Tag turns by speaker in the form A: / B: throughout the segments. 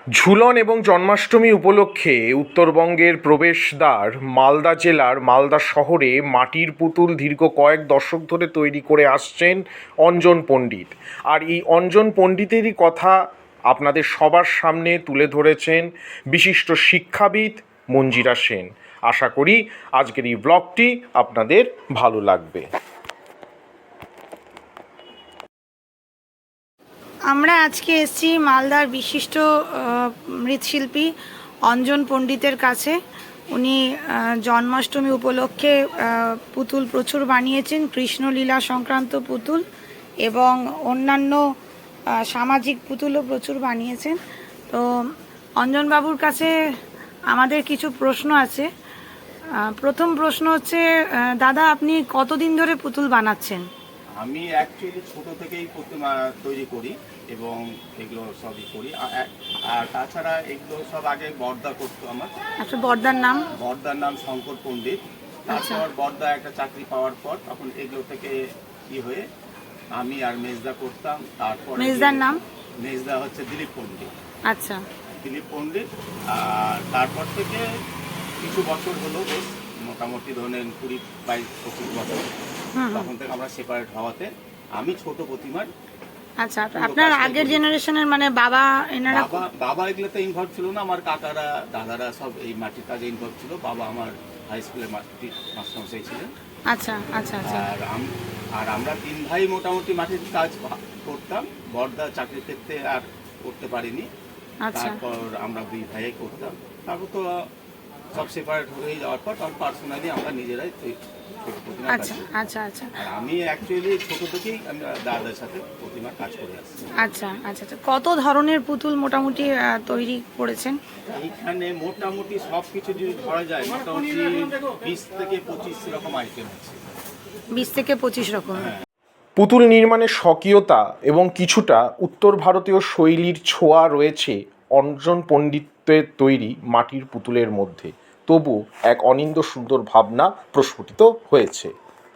A: ঝুলন এবং জন্মাষ্টমী উপলক্ষে উত্তরবঙ্গের প্রবেশদ্বার মালদা জেলার মালদা শহরে মাটির পুতুল দীর্ঘ কয়েক দশক ধরে তৈরি করে আসছেন অঞ্জন পণ্ডিত। আর এই অঞ্জন পণ্ডিতেরই কথা আপনাদের সবার সামনে তুলে ধরেছেন বিশিষ্ট শিক্ষাবিদ মঞ্জিরা সেন। আশা করি আজকের এই ব্লগটি আপনাদের ভালো লাগবে।
B: আমরা আজকে এসেছি মালদার বিশিষ্ট মৃৎশিল্পী অঞ্জন পণ্ডিতের কাছে। উনি জন্মাষ্টমী উপলক্ষে পুতুল প্রচুর বানিয়েছেন, কৃষ্ণলীলা সংক্রান্ত পুতুল এবং অন্যান্য সামাজিক পুতুলও প্রচুর বানিয়েছেন। তো অঞ্জনবাবুর কাছে আমাদের কিছু প্রশ্ন আছে। প্রথম প্রশ্ন হচ্ছে, দাদা আপনি কতদিন ধরে পুতুল বানাচ্ছেন?
C: আমি অ্যাকচুয়ালি ছোট থেকেই প্রতিমা তৈরি করি এবং এগুলো সবই করি। আর তাছাড়া এগুলো সব আগে বর্দা করতো আমার।
B: আচ্ছা, বর্দার নাম?
C: বর্দার নাম শঙ্কর পণ্ডিত। তারপর বর্দা একটা চাকরি পাওয়ার পর তখন এগুলো থেকে কি হয়ে আমি আর মেজদা করতাম। তারপর
B: মেজদার নাম?
C: মেজদা হচ্ছে দিলীপ পণ্ডিত।
B: আচ্ছা,
C: দিলীপ পণ্ডিত। আর তারপর থেকে কিছু বছর হলো, বেশ মোটামুটি ধরেন 20-22-25 বছর, তখন থেকে আমরা সেপারেট হওয়াতে আমি ছোট প্রতিমার।
B: আচ্ছা, আপনার আগের জেনারেশনের মানে বাবা এনারা?
C: বাবা এগুলোতে ইনভলভ ছিল না, আমার কাকারা দাদারা সব এই মাটির কাজে ইনভলভ ছিল। বাবা আমার হাই স্কুলের মাটির মাস্টারমশাই ছিলেন।
B: আচ্ছা আচ্ছা আচ্ছা।
C: আর আমরা তিন ভাই মোটামুটি মাটির কাজ করতাম। বড়দা চাকরির ক্ষেত্রে আর করতে পারিনি। তারপর আমরা দুই ভাই করতাম। তারপর তো সব সেপারেট হয়ে যাওয়ার পর তখন পার্সোনালি আমরা নিজেরাই।
B: আচ্ছা আচ্ছা আচ্ছা।
C: আর আমি অ্যাকচুয়ালি ছোট থেকেই আমরা দাদার সাথে প্রতিমার কাজ করে আসছি।
B: আচ্ছা আচ্ছা আচ্ছা। কত ধরনের পুতুল মোটামুটি তৈরি করেছেন?
C: এইখানে মোটামুটি সব কিছু যদি ধরা যায় মোটামুটি 20 থেকে 25 রকম আইটেম আছে।
B: 20 থেকে 25 রকম।
A: পুতুল নির্মাণের স্বকীয়তা এবং কিছুটা উত্তর ভারতীয় শৈলীর ছোঁয়া রয়েছে অঞ্জন পণ্ডিতের তৈরি মাটির পুতুলের মধ্যে, তবু এক অনিন্দ্য সুন্দর ভাবনা প্রস্ফুটিত হয়েছে।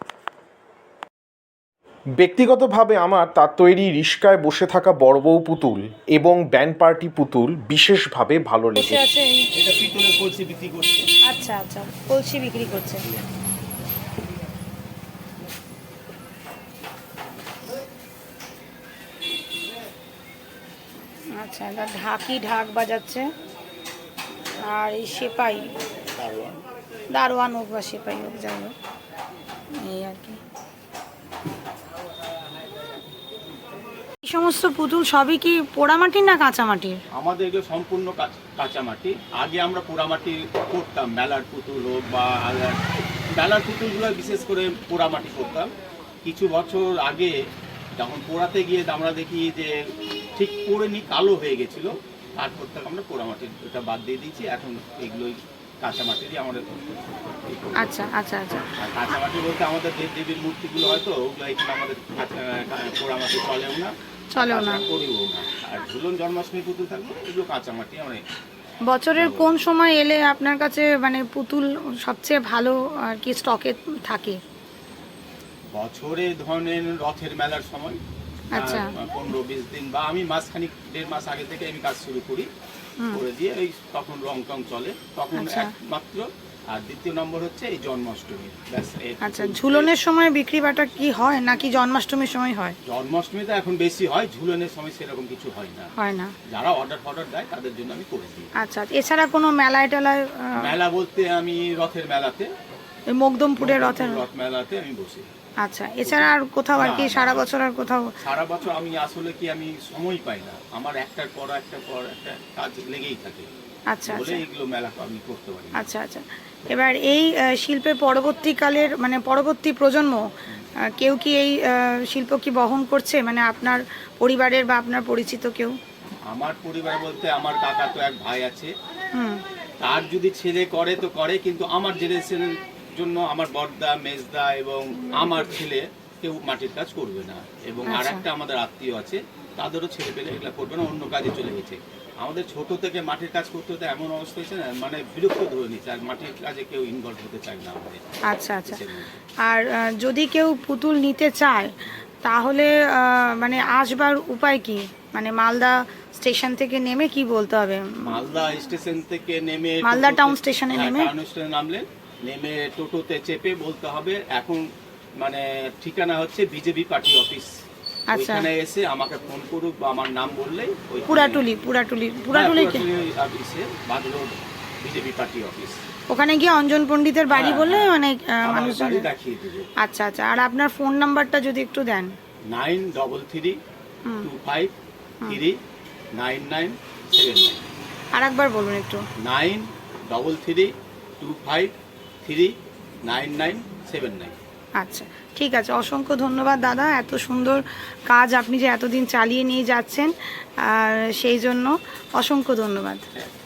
A: ব্যক্তিগতভাবে আমার তার তৈরি রিস্কায় বসে থাকা বড় বউ পুতুল এবং ব্যান্ড পার্টি পুতুল বিশেষভাবে ভালো লেগেছে।
C: এটা পিতলের কলসি বিক্রি করছে।
B: আচ্ছা আচ্ছা, কলসি বিক্রি করছে। আচ্ছা, এটা ঢাক বাজাচ্ছে। আর এই সেপাই, দারোয়ান হোক বা সেপাই হোক, যাই হোক, এই আর কি। এই সমস্ত পুতুল সবই কি পোড়ামাটির না কাঁচামাটির?
C: আমাদের এগুলো সম্পূর্ণ কাঁচামাটি। আগে আমরা পোড়ামাটি করতাম, মেলার পুতুল হোক বা মেলার পুতুলগুলো বিশেষ করে পোড়ামাটি করতাম। কিছু বছর আগে যখন পোড়াতে গিয়ে আমরা দেখি যে ঠিক পোড়েনি, কালো হয়ে গেছিল। তারপর থেকে আমরা পোড়ামাটির এটা বাদ দিয়ে দিয়েছি। এখন এগুলোই কাঁচামাটিরই আমাদের।
B: আচ্ছা আচ্ছা আচ্ছা।
C: আর কাঁচামাটি বলতে আমাদের দেবীর মূর্তিগুলো হয়তো ওগুলো এখানে আমাদের পোড়ামাটি চলেও না, করিও না। আর ঝুলন জন্মাষ্টমী পুতুল থাকবে এগুলো কাঁচামাটি। অনেক
B: বছরের কোন সময় এলে আপনার কাছে মানে পুতুল সবচেয়ে ভালো আর কি স্টকে থাকে?
C: বছরে ধরেন রথের মেলার সময়।
B: আচ্ছা।
C: 15-20 দিন বা আমি মাসখানিক 1.5 মাস আগে থেকে আমি কাজ শুরু করি, করে দিয়ে এই তখন রং টং চলে তখন একমাত্র। আর দ্বিতীয় নম্বর হচ্ছে এই জন্মাষ্টমী।
B: আচ্ছা, ঝুলনের সময় বিক্রি বাটা কি হয় নাকি জন্মাষ্টমীর সময় হয়?
C: জন্মাষ্টমীতে এখন বেশি হয়, ঝুলনের সময় সেরকম কিছু হয় না। যারা অর্ডার দেয় তাদের জন্য আমি করে দিই।
B: আচ্ছা, এছাড়া কোনো মেলায় টেলায়?
C: মেলা বলতে আমি রথের মেলাতে,
B: মকদমপুরের রথ
C: মেলাতে আমি বসি।
B: আচ্ছা, এছাড়া আর কোথাও আর কি সারা বছর আর কোথাও?
C: সারা বছর আমি আসলে কি আমি সময় পাই না, আমার একটার পর একটা কাজ লেগেই থাকে।
B: আচ্ছা আচ্ছা,
C: এগুলো মেলা আমি করতে পারি।
B: আচ্ছা আচ্ছা। এবার এই শিল্পের পরবর্তীকালের মানে পরবর্তী প্রজন্ম কেউ কি এই শিল্প কি বহন করছে, মানে আপনার পরিবারের বা আপনার পরিচিত কেউ?
C: আমার পরিবার বলতে আমার কাকা তো এক ভাই আছে, তার যদি ছেলে করে তো করে, কিন্তু আমার জেনারেশনের জন্য আমার বড়দা, মেজদা এবং আমার ছেলে কেউ মাটির কাজ করবে না। এবং আর একটা আমাদের আত্মীয় আছে, তাদেরও ছেলে পেলে এগুলা করবে না, অন্য কাজে চলে গেছে। আমাদের ছোট থেকে মাটির কাজ করতে হতে এমন অবস্থা হয়েছে না, মানে বিরক্ত ধরে নিচ্ছে, আর মাটির কাজে কেউ ইনভলভ হতে চায় না আমাদের।
B: আচ্ছা আচ্ছা। আর যদি কেউ পুতুল নিতে চায় তাহলে মানে আসবার উপায় কি, মানে মালদা স্টেশন থেকে নেমে কি বলতে হবে?
C: মালদা স্টেশন থেকে নেমে
B: মালদা
C: টোটোতে-
B: টাউন স্টেশনে
C: হ্যাঁ,
B: নেমে?
C: টাউন স্টেশনে নামলেন, নেমে টোটোতে চেপে বলতে হবে এখন মানে ঠিকানা হচ্ছে বিজেপি পার্টি অফিস।
B: আচ্ছা।
C: ওইখানে এসে আমাকে ফোন করুক বা আমার নাম বললেই
B: পুরাটুলি
C: অফিসে বাদ রোড বিজেপি পার্টি অফিস।
B: ওখানে গিয়ে অঞ্জন পণ্ডিতের বাড়ি
C: হ্যাঁ,
B: বললে
C: হ্যাঁ।
B: মানে
C: আমার
B: মানুষ
C: বাড়ি দেখিয়ে দেবে।
B: আচ্ছা আচ্ছা, আর আপনার ফোন নাম্বারটা যদি একটু দেন।
C: 9332539979।
B: আর একবার বলুন একটু।
C: 9332539979।
B: আচ্ছা, ঠিক আছে, অসংখ্য ধন্যবাদ দাদা, এত সুন্দর কাজ আপনি যে এতদিন চালিয়ে নিয়ে যাচ্ছেন, আর সেই জন্য অসংখ্য ধন্যবাদ।